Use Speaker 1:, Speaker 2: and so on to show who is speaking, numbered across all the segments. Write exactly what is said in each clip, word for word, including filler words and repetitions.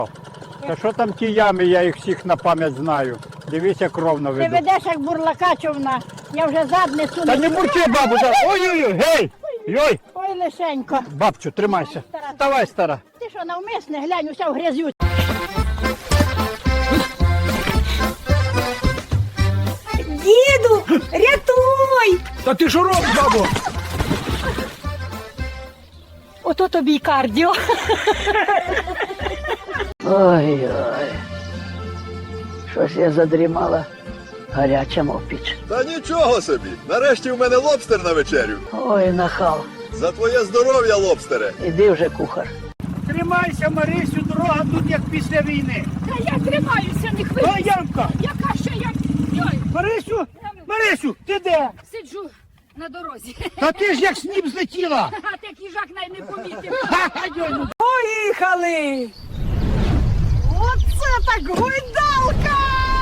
Speaker 1: Та що там ті ями, я їх всіх на пам'ять знаю. Дивись, як ровно
Speaker 2: Ти
Speaker 1: веду.
Speaker 2: ведеш як бурлака човна. Я вже задницю
Speaker 1: Та не бурчи, бабу, да. Ой-ой-ой, гей! Йой!
Speaker 2: Ой, лишенько.
Speaker 1: Бабчу, тримайся. Вставай, стара.
Speaker 2: Ти що, навмисне? Глянь, уся в грязю.
Speaker 3: Діду, рятуй!
Speaker 1: Та ти що робиш, бабу?
Speaker 2: Ото тобі й кардіо.
Speaker 4: Ой-ой. Щось я задрімала гаряча мов піч.
Speaker 5: Та нічого собі. Нарешті в мене лобстер на вечерю.
Speaker 4: Ой, нахал.
Speaker 5: За твоє здоров'я, лобстере.
Speaker 4: Іди вже, кухар.
Speaker 1: Тримайся, Марисю, дорога тут як після війни.
Speaker 2: Та я тримаюся, не
Speaker 1: О,
Speaker 2: хвилюйся.
Speaker 1: Янка!
Speaker 2: Яка ще я? Йой,
Speaker 1: Марисю, Марисю, ти де?
Speaker 2: сиджу на дорозі.
Speaker 1: Та ти ж як сніп злетіла.
Speaker 2: А ти їжак навіть не помітив.
Speaker 1: Ха-ха, йой, ну.
Speaker 3: Поїхали! Оце так гойдалка!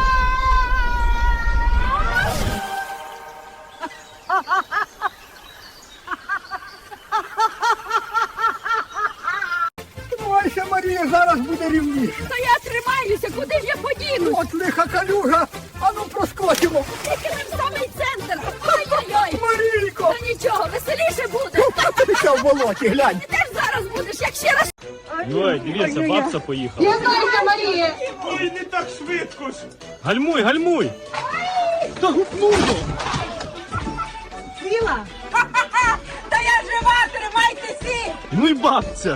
Speaker 1: Тримайся, Марія, зараз буде рівніше.
Speaker 2: Та я тримаюся, куди ж я подіну?
Speaker 1: От лиха калюжа, а ну проскочимо.
Speaker 2: Тільки не в самий центр. Ой-ой-ой.
Speaker 1: Марійко!
Speaker 2: Та нічого, веселіше буде.
Speaker 1: Ти що в болоті, глянь.
Speaker 2: Ти теж зараз будеш, як ще раз.
Speaker 6: Ой, дивіться, бабця поїхала.
Speaker 1: Ой, не так швидко ж.
Speaker 6: Гальмуй, гальмуй! Та гупнуло!
Speaker 3: Сіла? Та я жива, тримайте всі!
Speaker 6: Ну й бабця!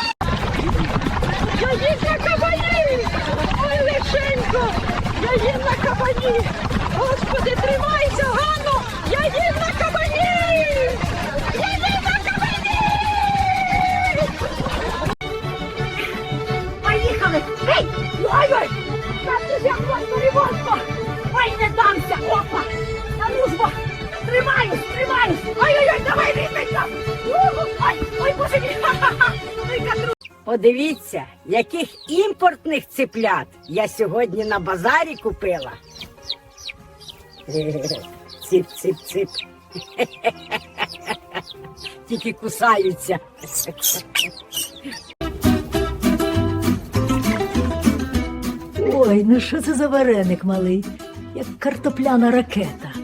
Speaker 2: Я їм на кабані! Ой, лишенько! Я їм на кабані! Господи, тримайся, Ганно! Я їм на кабані! Я їм на кабані! Поїхали! Ей! Ой-ой! Та ти ж як вас перевозка! Ой, не дамся! Опа! На дружба! Тримаюсь, тримаюсь! Ой-ой-ой, давай, рідненько! Ой, ой, боже мій! Ха-ха-ха! Ой, катру!
Speaker 3: Подивіться, яких імпортних циплят я сьогодні на базарі купила. Цip-цip-цip. Тільки кусаються.
Speaker 7: Ой, ну що це за вареник малий, як картопляна ракета.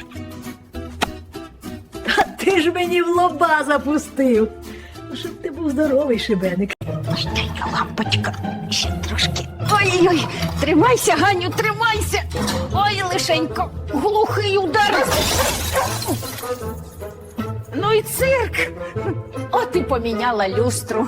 Speaker 7: Та ти ж мені в лоба запустив. Ну, щоб ти був здоровий, шибеник.
Speaker 2: Маленька лампочка, ще трошки. Ой-ой-ой, тримайся, Ганю, тримайся. Ой, лишенько, глухий удар. Ну і цирк. От і поміняла люстру.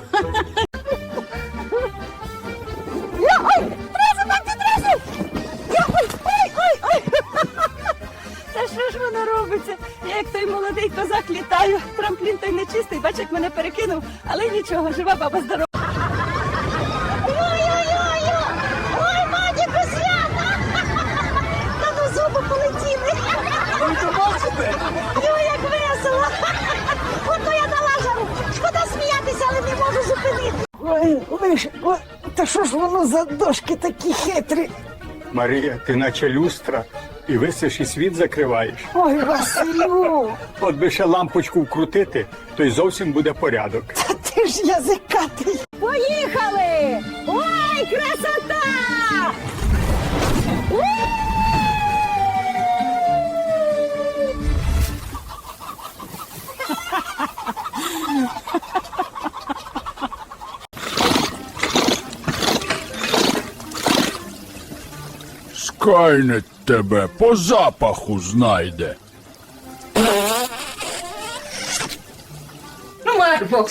Speaker 2: Ой, трезу, бабця, трезу. Ой, ой, ой, ой.
Speaker 3: Та що ж воно робиться? Я як той молодий козак літаю, трамплін той нечистий, бач, як мене перекинув, але нічого, жива баба здорова.
Speaker 2: Ой-ой-ой, ой, Мадіку, свята. Та ну зуби полетіли. Ой, як весело. Ото я дала жару. Шкода сміятися, але не можу зупинити.
Speaker 7: Ой, лиш, ой, та що ж воно за дошки такі хитрі?
Speaker 1: Марія, ти наче люстра, і висиш і світ закриваєш.
Speaker 7: Ой, Василю,
Speaker 1: От би ще лампочку вкрутити, то й зовсім буде порядок.
Speaker 7: та ти ж язикатий.
Speaker 3: Поїхали! Ой, красота!
Speaker 8: Скайнет тебе по запаху знайде.
Speaker 2: Марфо.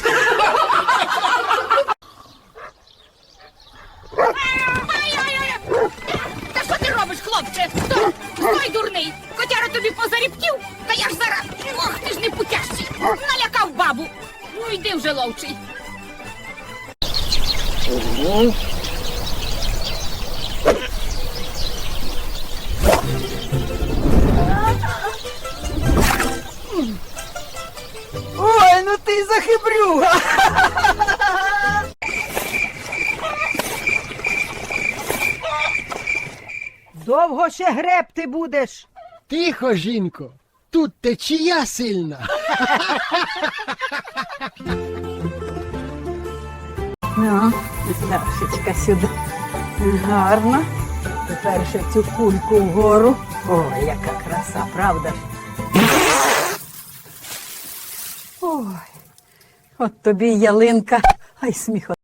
Speaker 2: Та що ти робиш, хлопче? Стой, стой, дурний. Котяра тобі позарібків, та я ж зараз. Ох, ти ж не путящий. Налякав бабу. Ну йди вже, ловчий.
Speaker 7: Ой, ну ти захибрюга.
Speaker 3: Довго ще гребти будеш?
Speaker 9: Тихо, жінко, тут течія сильна.
Speaker 3: Ну, Сташечка сюди. Гарно. Тепер ще цю кульку вгору. Ой, яка краса, правда ж? Ой, от тобі й ялинка. Ай, сміх.